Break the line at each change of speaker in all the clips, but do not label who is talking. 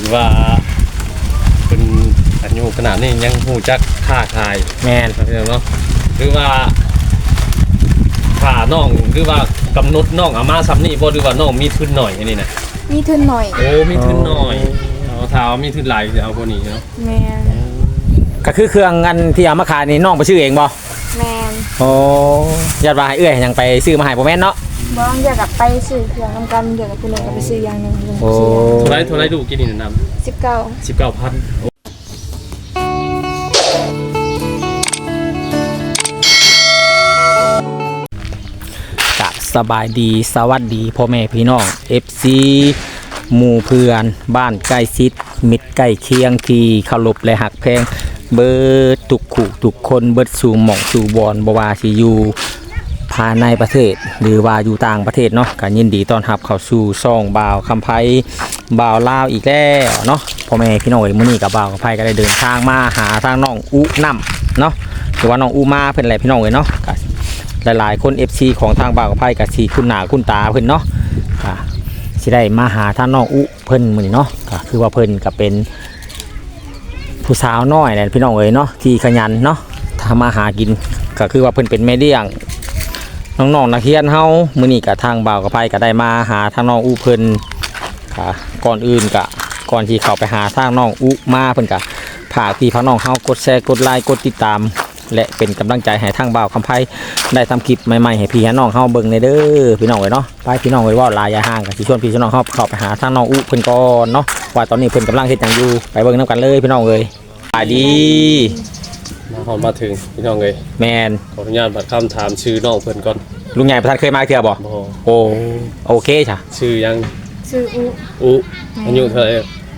ว่าเป็นอายุขนาดนี้ยังหูจักค่าขาย
แม่น
เนาะหรือว่าค่าน้องหรือว่ากำหนดน้องเอามาซ้ำนี่บ่หรือว่าน้องมีทุนหน่อยอันนี้นะ
มีทุนหน่อย
โอ้มีทุนหน่อยเอาเท้ามีทุนหลายจะเอาพวกนี้เนาะ
แม่น
ก็คือเครื่องอันที่เอามาขายนี่น้องไปซื้อเองบ่
แม่น
โอ้ญาติว่าให้เอื้อยยังไปซื้อมาให้บ่แม่นเนาะ
บ่อยากกลับไปซื้อเครื่องนำกันเดี๋ยวกับคุณลุงก็ไปซื้ออย่างนึง
โอ้
เท่าไรดูกินนี่นำ19,000
สบายดีสวัสดีพ่อแม่พี่น้อง FC หมู่เพื่อนบ้านใกล้ชิดมิตรใกล้เคียงที่เคารพและหักแพงเบิดทุกคู่ทุกคนเบิดสู่หม่องสู่บอนบ่ว่าสิอยู่ภายในประเทศหรือว่าอยู่ต่างประเทศเนาะก็ยินดีต้อนรับเข้าสู่ช่องบ่าวคำไผบ่าวลาวอีกแล้วเนาะพ่อแม่พี่น้องมื้อนี้กับบ่าวคำไผก็ได้เดินทางมาหาทางน้องอุน้ำเนาะหรือว่าน้องอุมาเพิ่นแหละพี่น้องเนาะหลายๆคน FC ของทางบ่าวกับไพ่กับสีคุณหนาคุณตาเพิ่นเนาะค่ะสิได้มาหาท่านน้องอุเพิ่นมื้อนี้เนาะก็คือว่าเพิ่นก็เป็นผู้สาวน้อยแหละพี่น้องเนาะที่ขยันเนาะทำมาหากินก็คือว่าเพิ่นเป็นแม่เลี้ยงน้องๆนักเรียนเฮามื้อนี้ก็ทางบ่าวกับไพ่ก็ได้มาหาทางน้องอุเพิ่นค่ะก่อนอื่นก็ก่อนที่เข้าไปหาทางน้องอุมาเพิ่นก็ฝากพี่น้องเฮากดแชร์กดไลค์กดติดตามและเป็นกำลังใจให้ทางบ่าวคำไพ่ได้ทำคลิปใหม่ๆให้พี่น้องเข้าเบิ่งในเด้อพี่น้องเนาะไปพี่น้องว่าลายยาห่างกับที่ชวนพี่น้องเข้าไปหาทางน้องอุเพิ่นก่อนเนาะว่าตอนนี้เพิ่นกำลังเฮ็ดหยังอยู่ไปเบิ่งนำกันเลยพี่น้องเอ้ยสวัสดี
มาถึงพี่น้องเอ้ย
แมน
ขออนุญาตบัดคำถามชื่อน้องเพิ่นก่อน
ลุงใหญ่ประธานเคยมาเที่ยวบ่โอเคจ้ะ
ชื่อยัง
ชื่อ
อุอายุเท่าไหร่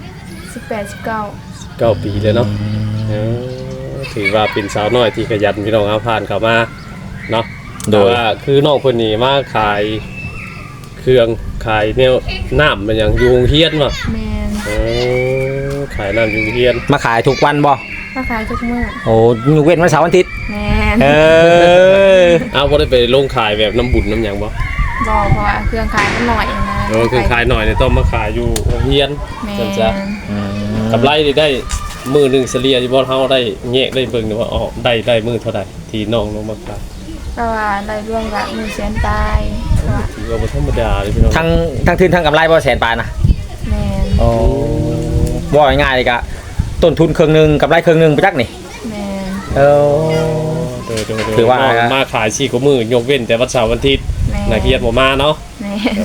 18-19
ปีเลยเนาะถือว่าเป็นสาวน้อยที่ขยันพี่น้องเอาผ่านเข้ามาเนาะโดยว่าคือน้องคนนี้มาขายเครื่องขายแนวน้ำมันอย่างยูงเฮียนว่ะ
แม่
นขายน้ำยูงเฮียน
มาขายทุกวันบ่
มาขายทุกมื้อ
โอ้ยกเว้นวันเสาร์วันอาทิตย์
แม่น
เอาบ่ได้ไปลงขายแบบน้ำบุญน้ำหยังบ่
เพราะว่าเครื่องขายมันหน่อยนะ
เครื่องขายหน่อยเนี่ยต้องมาขายอยู่เฮียน
จ้ะ
กำไรได้มือหนึ่งเฉลี่ยที่บ่เฮาได้แยกได้เบิ่งว่าอ๋อได้มือเท่าใดที่น้องลงมาขาย
ก็ว่าได้รวมกับ100,000ตาย
ถือว่าบ่ธรรมดาเลยพี่น้อง
ทั้งทุนทั้งกำไรบ่แสนปานนะ
แม่น
โอ้บ่ง่ายๆเลยก็ต้นทุนครึ่งนึงกำไรครึ่งนึงไปจักนี่
แม่น
ถือว่า
มาขาย4กว่ามื้อยกเว้นแต่วันเสาร์วันอาทิตย์นักเรียนบ่มาเนาะ
แม่น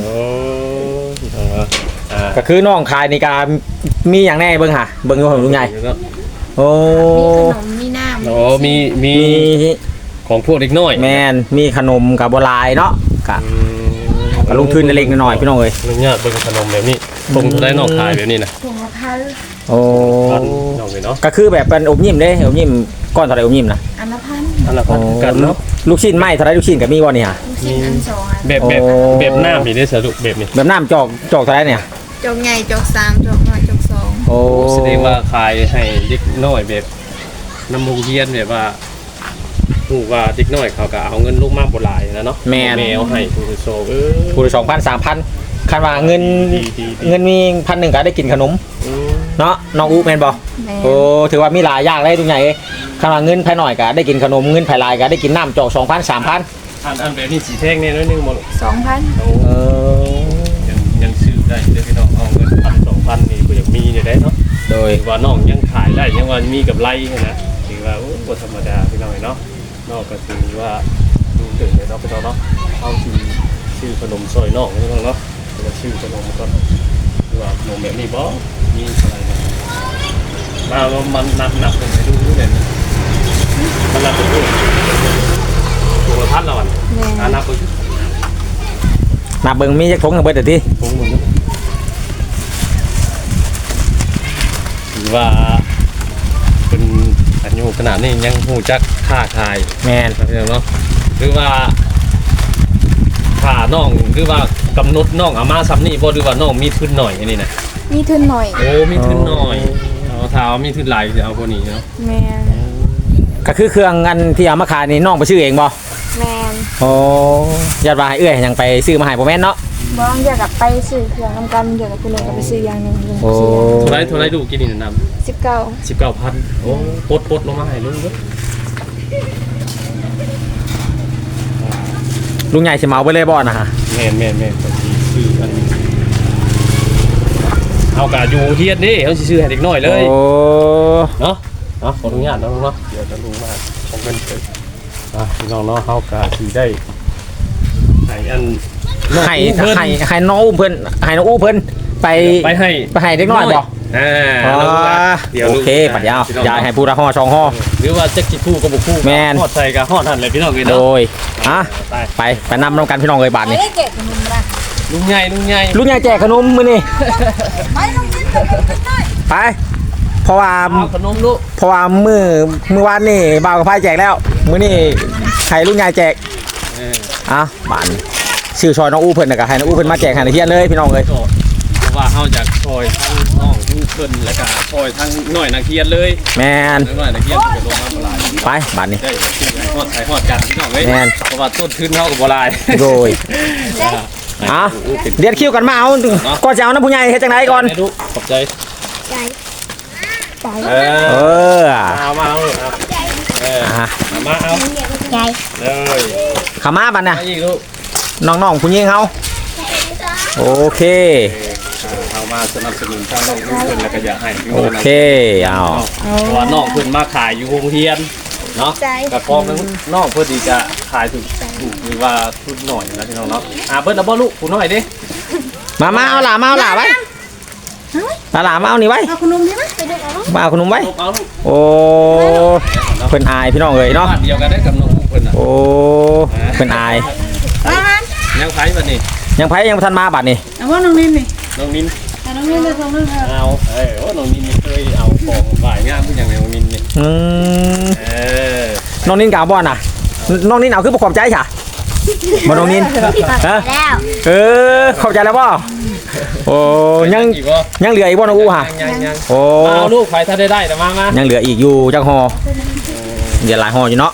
ก็คือน้องขายในการมีอย่างแน่เบิ่งหะเบิ่งอยู่ของลุงใหญ่โอ้
มีขนมมีน้ำ
โอ้มีของพวกเด็กน้อย
แม่นมีขนมกับบัวลายเนาะกับลงทุนเล็กน้อยพี่น้องเอ้ย
ลุงเนี่ยเบิ่งขนมแบบนี้คงได้นอกขายแบบนี้นะ
1,000
โอ้
น้องเลยเนาะ
ก็คือแบบเป็นอบยิ้มเด้อบยิ้มก้อนเท่าไรอบยิ้มนะ
อันละ1,000
กันเนาะ
ลูกชิ้นไหมเท่าไรลูกชิ้นกับมีบ่นี่ฮะ
มี
แบบน้ำมีได้สรุปแบบนี้
แบบน้ำจอกเท่าไรเนี่ย
จอกใหญ่จอก3จอกน้อยจอก2
โอ้
แสดงว่าขายให้เด็กน้อยแบบน้ำมูกเยียนแบบว่าผู้ว่าเด็กน้อยเขาก็เอาเงินลูกมากบ่หลายนะเนาะ
แม่
เอาให้ผู้โซ
ผู้ละ 2,000 3,000คันว่าเงินมี1,000ก็ได้กินขนมเนาะน้องอูแม่นบ่โอ้ถือว่ามีหลายอย่างเลยทุกอย่างคันว่าเงินภายหน่อยก็ได้กินขนมเงินภายหลายก็ได้กินน้ำจอก 2,000 3,000
อันแบบนี้สีแท่งนี่น้อยนึงบ่
2,000
ยังซื้อได้เด้อพี่น้องเอาเงิน1,000 2,000นี่ก็ยังมีอยู่ได้เนาะ
โดย
ว่าน้องยังขายได้ยังว่ามีกับไรนะถือว่าโอ้บ่ธรรมดาพี่น้องเนาะนอกก็ถือว่าดูตื่นเลยเนาะพี่น้องเนาะเอาชื่อขนมซอยน้องพี่น้องเนาะแล้วชื่อขนมก็ว่าขนมแบบนี้บ่มีอะไรมามันหนักเป็นไปดูเนี่ยมันนับเป็นตัวท่านเรานับไป
นับเบิ่งมีจักถุงกันเบิดเด้อติ
ถุงหมดถือว่าเป็นอายุขนาดนี้ยังหูจักค่าขาย
แม่น
เนาะหรือว่าค่าน้องหรือว่ากำหนดน้องเอามาซ้ำนี่บ่หรือว่าน้องมีทุนหน่อยอันนี้นะ
มีทุนหน่อย
โอ้มีทุนหน่อยเอาเท้ามีทุนหลายจะเอาพวกนี้เนาะ
แม่น
ก็คือเครื่องอันที่เอามาขายนี่น้องไปซื้อเองบ่
แม่น
โอ้ญาติว่าให้เอื้อยยังไปซื้อมาให้บ่แม่นเนาะ
บางอยากกับไปสื่อเครื่องทำกันเดี๋ยวกับคุณหนึ่งก็ไปซื้ออย่างหนึ่ง
โอ้
เท่าไรดูกินนี่นำ
19
19,000โอ้ปดลงมาให้ลุงเด้อ
ลุงใหญ่สิเมาไปเลยบ่นะฮะ
แม่นก็สิซื้ออันเอากะอยู่เฮียนนี่เขาสิซื้อให้เด็กน้อยเลย
โอ้
เนาะขออนุญาตนะลุงเนาะเดี๋ยวจะลุงมาของเงินเกิดพี่น้องเนาะเฮากะสิได้ให้อันน้อง
ให้
อู้เพิ่น
ให้น้องอุ้มเพิ่นให้น้องอู้เพิ่นไป
ไปให้
เด็กน้อยบ่
อ๋อ เดี๋ยว
โอเคปัดยาว
พี่น้อง
ยายให้ผู้ละห่อช่องห่อ
หรือว่าจักสิคู่ก็บ่คู่
แม่น
ฮอดใส่ก็ฮอดหั่นเลยพี่น้องเอ้ย
โด
เนาะ
ยอ่ะ
ไป
ไปนำกันพี่น้องเอ้ยบาทนี่
ไม่ได้เก็บขนมนะ
ลุงใหญ่
ลุงใหญ่แจกขนมมื้อนี่
ไปลงนิดไปลงนิดหน่อย
ไปเพราะว่า
เอาขนมลูก
เพราะว่ามื้อวานนี่บ่าวกับพายแจกแล้วมื้อนี้ให้ลุงใหญ่แจก
เออ
อ่ะบาทนี่ชื่อซอยน้องอู้เพิ่นน่ะก็ให้น้องอู้เพิ่นมาแจกให้ในเฮียนเลยพี่น้องเอ้ย
ก็เพราะว่าเฮาจากซอยทั้งน้องผู้เพิ่นแล้วก็ซอยทั้งน้อยนักเรียนเลย
แม่น
น้อยนักเรียนก็ลงมาบ่หลาย
ไปบาทนี่
ได้ชื่อให้ฮอดใส่ฮอดกันพี่น้องเอ้ย
แม่น
เพราะว่าต้นทุนเฮาก็บ่หลาย
โดยอ่ะเดี๋ยวคิวกันมาเอาก่อนจะเอาน้ำผู้ใหญ่เฮ็ดจังไดก่อน
ให้ลูกขอบใจ
ใจใจ
เอ
เอ
อ
อ
เอามาเอาเอาเออ
อ่ะ
เอามาเอา
ใจ
เลย
ขามาบัดน่ะ
มาอีกลูก
น้องๆผู้หญิงเฮาโอเค
เอามาสนับสนุนทางน้องผู้เพิ่นแล้วก็อยากให้พี่
โอ
น้อง
เคเอา
เพราะว่าน้องเพิ่นมาขายอยู่โรงเรียนเนาะกับพร้อมนั้นน้องเพิ่นดีจะขายถูกหรือว่าทุนหน่อยนะพี่น้องเนาะเบิ้ลเอาบ่ลูกผู้น้อยดิ
มาเอาหลาไว้หลามาเอานี่ไว้
เอาขนมใช่ไหมไปเด็กเอาลูก
มาเอาขนมไว้
ลูกเอาลูก
โอ้เพิ่นอายพี่น้องเอ้ยเนาะ
บ้านเดียวกันได้กับน้องผู้เพิ่นน่ะ
โอ้เพิ่นอาย
ยังไผบัดนี้
ยังไผยังบ่ทันมาบัดนี่
เอาว่าน้องนินนี่
น้องนิน
น้องนินจะส่งเรื่อง
เอาโอ้น้องนินนี่เคยเอาของฝ่ายงามผู้หยังน้องนินนี่
อืม
เออ
น้องนินกาวบ่น่ะน้องนินเอาคือบ่ขอบใจซะบ่น้องนินฮะ
แล้ว
เออขอบใจแล้วบ่โอ้ยัง
อีกบ่
ยังเหลืออีกบ่น้องอู้ฮะ
ยัง
โอ้
มาเอาลูกไผถ้าได้แต่มา
ยังเหลืออีกอยู่จักห่อเดี๋ยวหลายห่ออยู่เนาะ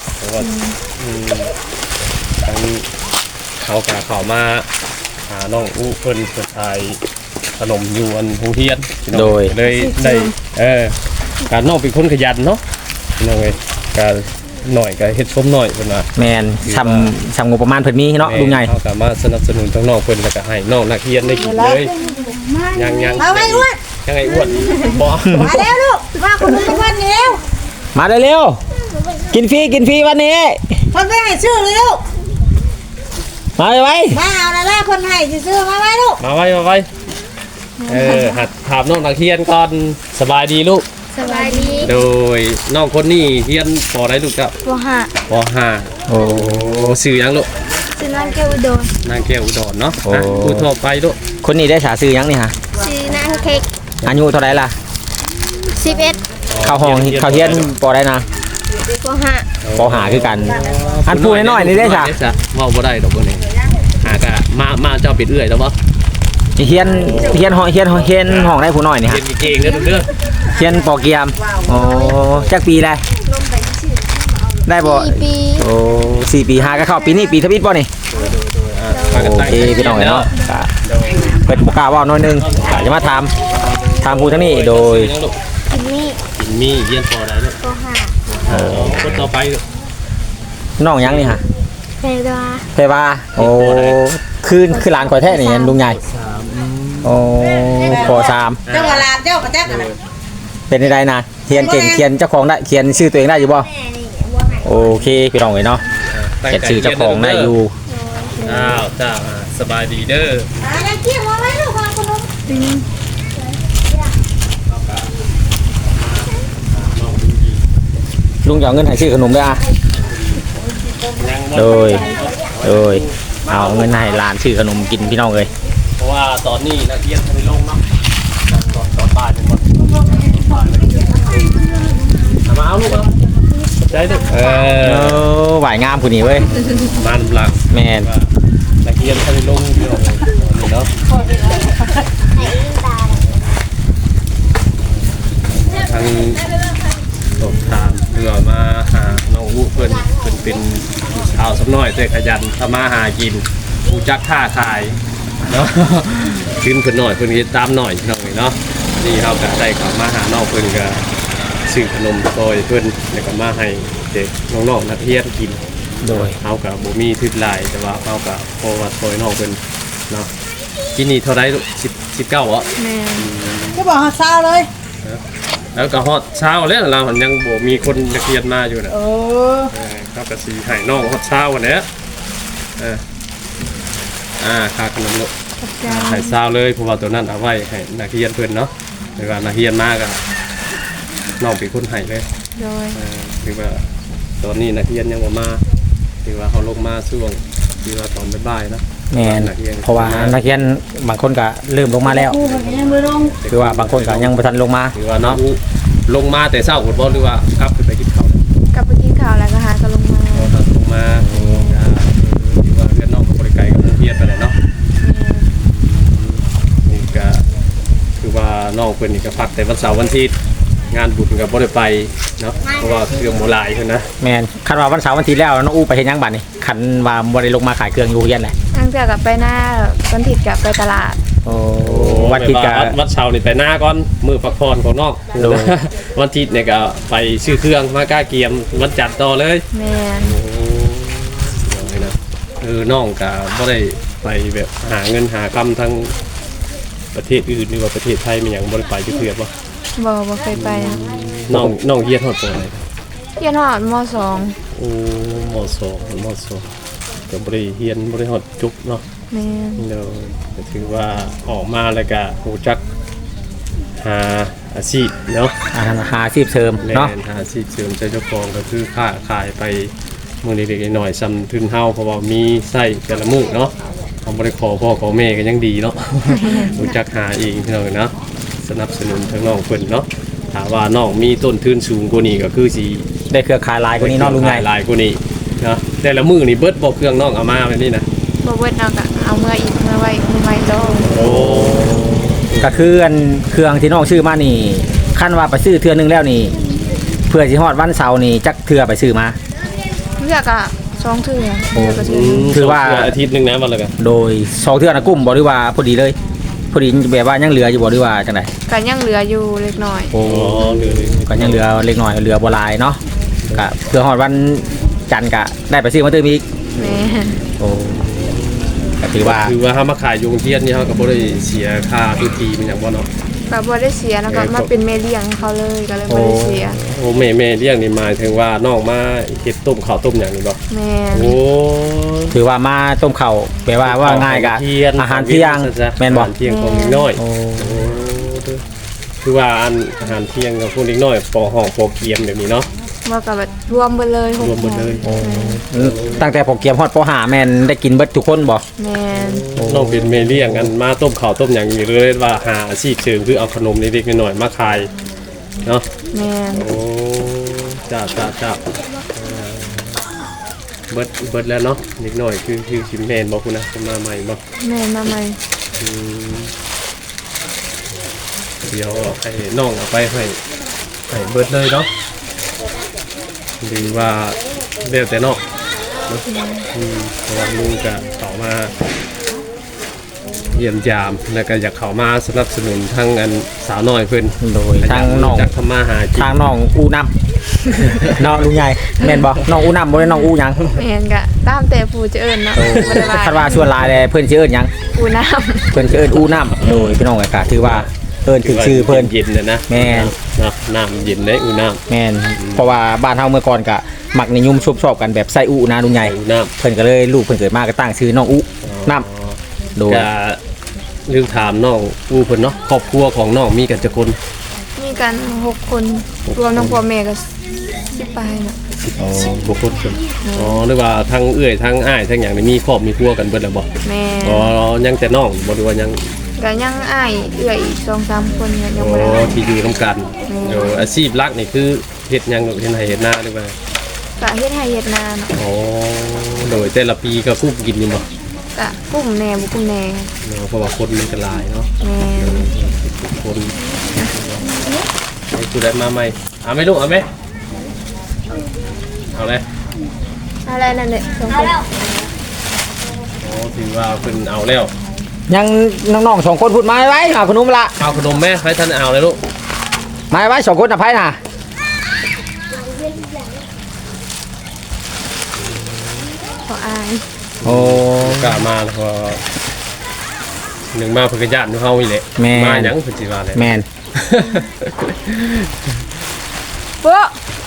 ทางเขากะเขามาหาน้องอู้เพิ่นขายขนมอยู่อันโรงเรียนพี่น้องเลยได้การน้องเป็นคนขยันเนาะพี่น้องเอ้ยการหน่อยก็เฮ็ดชมหน่อยเพิ่นว่า
แม่นชำงบประมาณเพิ่นมีเนาะลุงใหญ่
เขาก็มาสนับสนุนทั้งน้องเพิ่นแล้วก็ให้น้องนักเรียนได้กินเลยยัง
มาไว้อ้วน
ยังไงอ้วนบ่
มาแล้วลูกมาขนมทุกวันนี้แล้ว
มาเร็วๆกินฟรีวันนี้
คนไม่ให้ชื่อเลยลูก
มาไว้
มาเอาละล่ะคนให้ซื้อมาไว้ลูก
มาไว้หัดถามน้องนักเรียนก่อนสบายดีลูก
สบายดี
โดยน้องคนนี้เรียนปอได้ลูกครับ
บัวหะ
ปห้า
โอ้
สื่อยังลูก
ซื้อน้ำแก้วอุดร
นางแก้วอุดรเนาะ
โอ้
พูดทั่วไปลูก
คนนี้ได้ฉาซื้อยังนี่ฮะ
ซื้อน้ำเค้ก
อายุเท่าไหร่ล่ะ
11
เข้าห้องเข้าเฮียนปอได้นะ
บัวหะ
ปอหาคือกัน อันพูดน้อยๆนี่ได้ฉะ
เว้าบ่ได้ดอกบ่นี่หากะมาเจ้าปิดเอื้อยแล้วบ่
เฮียนห้องได้ผู้น้อยนี่
เรี
ฮะ
ยนเก่งๆเด้อลูกเด้อ
เฮียนปอเกียมโอ้จักปีเลยได้บ่
4 ปี
โอ้4 ปี5ก็เข้าปีนี้ปีทวิตบ่นี่
มากัน
โอ
ตั้ง
เคพี่น้องเนาะก็เพิ่นบ่กล้าเว้าน้อยนึงก็จะมาถามผู้ทั้งนี้โดย
กินนี่
กินมีเรียนปอได้ลูก
บัวหะ
คนต่อไปลูก
น้องยังนี่ฮะ
เพดา
เพว่าโอ้คือหลานข่อยแท้นี่ลุงใหญ่โอ้ปอ3
เจ้าว่าลานเจ้าก็แจ๊กกันนะ
เป็นได้นะเขียนเก่งเขียนเจ้าของได้เขียนชื่อตัวเองได้อยู่บ่
แม่นี่บัวหะ
โอเคพี่น้องเอ้ยเนาะเขียนชื่อเจ้าของได้อยู่
อ้าวจ้าสบายดีเด้อ
อะไรเกี่ยวมาไว้ลูกมาขนม
ลุงจะเอาเงินให้ซื้อขนมด้วยอ่ะ
ยังบ่
โดยเอาเงินให้หลานซื้อขนมกินพี่น้องเอ้ย
เพราะว่าตอนนี้นักเรียนทำไมลงเนาะตอนบ่ายเป็นหมดมาเอาลูกเอาใจลูก
ไหวงามผู้นี้เว้ย
มันหลัก
แมน
ว่านักเรียนทำไมลงเยอะเลยเนาะทางสอบถามเพื่อมาหาน้องอู้เพิ่นเป็นชาวสำน้อยแต่ขยันทำมาหากินผู้จักค้าขายเนาะ ขึ้นเพิ่นหน่อยเพิ่นก็ตามหน่อยพี่น้องเนาะนี่เฮาก็ได้เข้ามาหาน้องเพิ่นก็ซื้อขนมซอยเพิ่นแล้วก็มาให้เด็กน้องๆนักเรียนกิน
โดย
เฮาก็บ่มีทึดหลายแต่ว่าเฮาก็พอว่าซอยน้องเพิ่นเนาะกินนี่เท่าไรลูก19เหรอ
แม่
ก็บอกหาเช้าเลย
แล้วก็ฮอดเช้าแล้วเรายังบ่มีคนนักเรียนมาอยู่น่ะ
เออ
เขาก็สิให้น้องฮอดเช้าวันนี้ค่าขนมลูก
ขอบใจ
ให้เช้าเลยเพราะว่าตัวนั้นเอาไว้ให้นักเรียนเพิ่นเนาะหรือว่านักเรียนมาก็น้องเป็นคนให้เลย
โดย
หรือว่าตอนนี้นักเรียนยังบ่มาหรือว่าเขาลงมาช่วงหรือว่าตอนบ่ายๆเนาะ
แม่น
นักเรียน
เพราะว่านักเรียนบางคนก็เริ่มลงมาแล้ว
ครูมันก็ยังไม่ลง
คือว่าบางคนก็ยังบ่ทันลงมา
หรือว่าเนาะลงมาแต่เช้าหมดบ่หรือว่ากลับขึ้นไปกินข้าว
กลับไปกินข้าวแล้วก็หาก็ลงมา
เราลงมาหรือว่าเรียนน้องกับบริการกับโรงเรียนไปเลยเนาะนี่ก็คือว่าน้องเพิ่นนี่ก็พักแต่วันเสาร์วันอาทิตย์งานบุญก็บ่ได้ไปเนาะเพราะว่าเครื่องโบราณเพิ่นนะ
แม่นคันว่าวันเสาร์วันอาทิตย์แล้วน้องอู้ไปเฮ็ดหยังบัดนี่คันว่าบ่ได้ลงมาขายเครื่องอยู่เฮียนแหละ
ตั้งแต่กลับไปหน้าวันอาทิตย์กลับไปตลาด
โอ้วันอาทิตย์ก็
วัดเช้านี่ไปหน้าก่อนมื้อพักผ่อนของน้อง
โดย
วันอาทิตย์เนี่ยก็ไปซื้อเครื่องมากล้าเกียมวันจันทร์ต่อเลย
แม่น
โอ้ยนะน้องก็บ่ได้ไปแบบหาเงินหาคำทั้งประเทศอื่นหรือว่าประเทศไทยมันหยังบ่ได้ไปจักเทื่อบ่
บ่เคยไปนะ
น้องเฮียนฮอดปานใด
เรียนหอดมสอง
โอ้มสองก็บ่ได้เฮียนบ่ได้ฮอดจุกเนาะ
แม่น
เดี๋ยวก็ถือว่าออกมาแล้วก็รู้จักหาอาชีพเนาะ
หาอาชีพเสริม
แม่
เนาะ
นหาอาชีพเสริมใจเจ้าของก็คือค้าขายไปมื้อเล็กๆน้อยๆซ้ำทุนเฮาเพราะว่ามีไส้แต่ละมื้อเนาะเฮาบ่ได้ขอพ่อขอแม่ก็ยังดีเนาะ รู้จักหาเองพี่น้องเนาะสนับสนุนทั้งน้องเพิ่นเนาะถ้าว่าน้องมีต้นทุนสูงกว่านี้ก็คือสิ
ได้เครือข่ายหลายกว่านี้เนาะลุงใหญ่
หลายกว่านี้เนาะแต่ละมื้อนี่เบิดบ่เครื่องน้องเอามาแบบนี้นะ
บ่เบิดเอาก็เอาเมื่ออีกเมื่อไว้มือไว้โต
โอ้
ก็คืออันเครื่องที่น้องซื้อมานี่คันว่าไปซื้อเทื่อนึงแล้วนี่ เพื่อสิฮอดวันเสาร์นี่จักเทื่อไปซื้อมา
เลือกอ่ะ2เทื่อเลือกก็ซื้อ
ถือว่า
อาทิตย์หนึงนะวันละกัน
โดย2เทื่อนะกุ้มบ่หรือว่าพอดีเลย พอดีแบบว่ายังเหลืออยู่บ่หรือว่าจังได๋
ก็ยังเหลืออยู่เล็กน้อย
โอ้
อ๋อเหลือ
ก็ยังเหลือเล็กน้อยเหลือบ่หลายเนาะก็เพื่อฮอดวันจันทร์ก็ได้ไปซื้อมาเติมอีก
แม่น
โอ้ก็ถือว่า
คือว่าเฮามาขายอยู่โรงเรียนนี่เฮาก็บ่ได้เสียค่าพื้นที่มันหยังบ่เนาะ
ก็บ่ได้เสียแล้วก็มาเป็นแม่เลี้ยงเขาเลยก็เลยบ่ได้เสีย
โอ้แม่เลี้ยงนี่หมายถึงว่าน้องมาเฮ็ดต้มข้าวต้มหยังนี่บ่
แม่น
โอ้
ถือว่ามาต้มข้าวแปลว่าง่ายกะอาหารเที่ยงแม่นบ่
อาหารเที่ยงของเด็กน้อย
โอ้
โอ้คือว่าอาหารเที่ยงของพวกเด็กน้อยปอห้องปอเกียมแบบนี้เนาะ
บ่ก็แบบรวมเบิดเลย6
รวมหมดเลย
โอ้ตั้งแต่ผมเกียมฮอดปหาแม่นได้กินเบิดทุกคนบ่
แม่น
น้องเป็นแม่เลี้ยงกันมาต้มข้าวต้มหยังนี่เลยว่าหาอาชีพเสริมคือเอาขนมเล็กๆน้อยๆมาขายเนาะ
แม่น
โอ้จ้าเบิดแล้วเนาะนิดหน่อยคือชิมแมนบอกคุณนะจะมาใหม่บอก
แม่นมาใหม่
เดี๋ยวเอาให้น้องเอาไปให้เบิดเลยเนาะหรือว่าเดี๋ยวแต่นอกเนาะเพราะว่าลุงก็ต่อมาเยี่ยมยามแล้วก็อยากเข้ามาสนับสนุนทั้งอันสาวน้อยเพิ่น
โดยทางน้อง
จากทำมาหากิน
ทางน้องอู้น้ำน้องลุงใหญ่แม่นบ่น้องอู้น้ำบ่ได้น้องอู้หยัง
แม่นก็ตามแต่ผู้จะเอิ้นเนาะบ่ได้ว่า
คันว่าชวนหลายเลยเพิ่นสิเอิ้นหยัง
ผู้น้ำ
เพิ่นสิเอิ้นอู้น้ำโดยพี่น้องก็ถือว่าเอิ้นถึงชื่อเพิ่น
เย็นๆนะ
แม่น
เนาะน้ำเย็นได้อุ่นน้ำ
แม่นเพราะว่าบ้านเฮาเมื่อก่อนก็มักนิยมชอบกันแบบใส่อู้นะลุงใหญ่
อุ่นน้ำ
เพิ่นก็เลยลูกเพิ่นเกิดมาก็ตั้งชื่อน้องอู้น้ำโดย
จะเรื่องถามน้องอูเพิ่นเนาะครอบครัวของน้องมีกันจักคน
มีกัน6คนรวมทั้งพ่อแม่ก็10ปลายเนาะ
บุคคลคนอ๋อหรือว่าทั้งเอื้อยทั้งอ้ายทั้งหยังนี่มีครอบมีครัวกันเบิดแล้วบ่
แม่
อ๋อยังแต่น้องบ่รู้ว่ายัง
ก็ยังอ้ายเอื้อยอีก2-3คนเนี่ยยัง
อ๋
บ่ได้
อที่อยู่นํกันอาชีพหลักนี่คือเฮ็ดหยังเฮ็ดไร่เฮ็ดนาหรือว่า
ก็เฮ็ดให้เฮ็ดนาเนาะ
อ๋อโดยแต่ละปีก็คุบกินนี่บ่
ก็กุ้มแหน่บ่กุ้มแหน่
เนาะเพราะว่าคนมันก็หลายเนาะ
แม่น
คนให้กูได้มาใหม่เอาไหมลูกเอาไหมเอาเลย
อะไรนั่นแหละ2คน
อ๋อถือว่าเพิ่นเอาแล้ว
ยังน้องๆ2คนพูดมาไว้เอาขนมละ
เอาขนมแม่ให้ท่านเอาเลยลูก
มาไว้2คนน่ะไผน่ะ
ขออาย
โอ้
กะมาแล้วพอหนึ่งมาเพิ่นก็ญาติเฮาอีแหละ
แม่
มาหยังเพิ่นสิว่าแหละ
แม่น
เบ้อ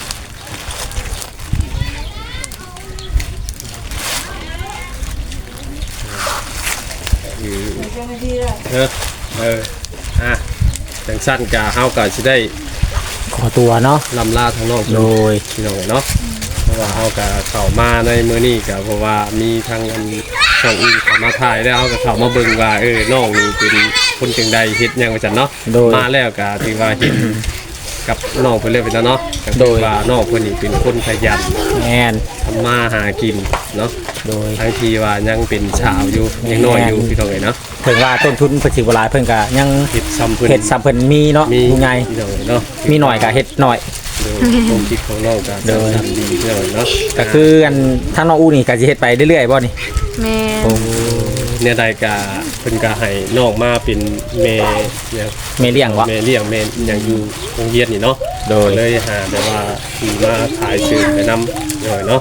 อ่ะจังสั้นกะเฮาก็สิได้
ขอตัวเนาะ
ลำลาทางน้อง
โดย
พี่น้องเนาะเพราะว่าเฮาก็เข้ามาในมื้อนี้ก็เพราะว่ามีทางอันช่องอื่นเข้ามาถ่ายแล้วเฮาก็เข้ามาเบิ่งว่าน้องนี่เป็นคนจังใดเฮ็ดหยังว่าซั่นเนาะ
โดย
มาแล้วก็ถือว่าเห็นกับน้องเพิ่นเลยเป็นแล้วเนาะก็
โด
ถือย ว่าน้องเพิ่นนี่เป็นคนขยัน
แม่น
ทำมาหากินเนาะ
โดย
ทั้งที่ว่ายังเป็นสาวอยู่ยังน้อยอยู่พี่น้องเอ้ยเนาะ
ถึงว่าต้นทุนเพิ่นสิบ่หลายเพิ่นก็ยัง
เฮ็ดซ้ำเพิ่น
เฮ็ดซ้ำเพิ่นมีเนาะ
มี
ผู้ใหญ่
พี่น้องเอ้ยเนาะ
มีหน่อยก็เฮ็ดหน่อย
โดยความคิดของน้องก็
โดย
ทำดีพี่น้องเอ้ยเนาะ
ก็คืออันทางน้องอู้นี่ก็สิเฮ็ดไปเรื่อยๆบ่นี่
แม่
เนี่ยใดกาเพิ่นก็ให้น้องมาเป็นแม่เนี่ย
แม่เลี้ยงบ่
แม่เลี้ยงแม่หยังอยู่โรงเรียนนี่เนาะ
โดย
เลยหาแต่ว่าที่มาถ่ายสื่อไปนำหน่อยเนาะ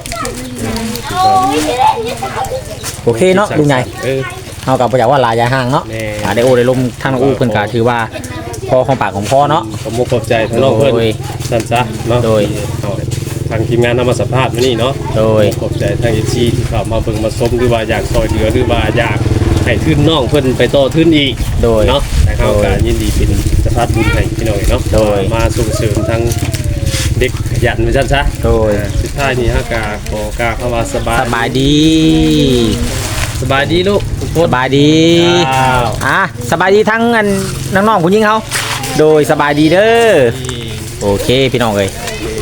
โอเคเนาะลุงใหญ่ เฮาก็บ่อยากว่าหลายอย่าห่างเนาะ
แม่
ได้โอ้ได้ลมทางน้องอู้เพิ่นก็ถือว่าพอของปากของพ่อเนาะ
ขอบคุณขอบใจทั้งน้องเพิ่น
โดย
สั่นซะเนาะ
โดย
เอาทางทีมงานนำมาสัมภาษณ์มื้อนี้เนาะ
โดย
ขอบใจทางเอซีที่เข้ามาเบิ่งมาชมหรือว่าอยากซอยเหลือหรือว่าอยากให้ทุนน้องเพิ่นไปต่อทุนอีก
โดย
เนาะแต่เขาก็ยินดีเป็นสภาพบุญให้พี่น้องเนาะ
โดย
มาส่งเสริมทั้งเด็กขยันไปซั่นซะ
โดย
สุดท้ายนี้ฮะกาขอกาเข้ามาสบาย
สบายดี
สบายดีลูกทุกค
ส
น
บายดี
อ้าว
สบายดีทั้งอันน้องๆผู้หญิงเฮาโดยสบายดีเด้อโอเคพี่น้องเอ้ย
นี่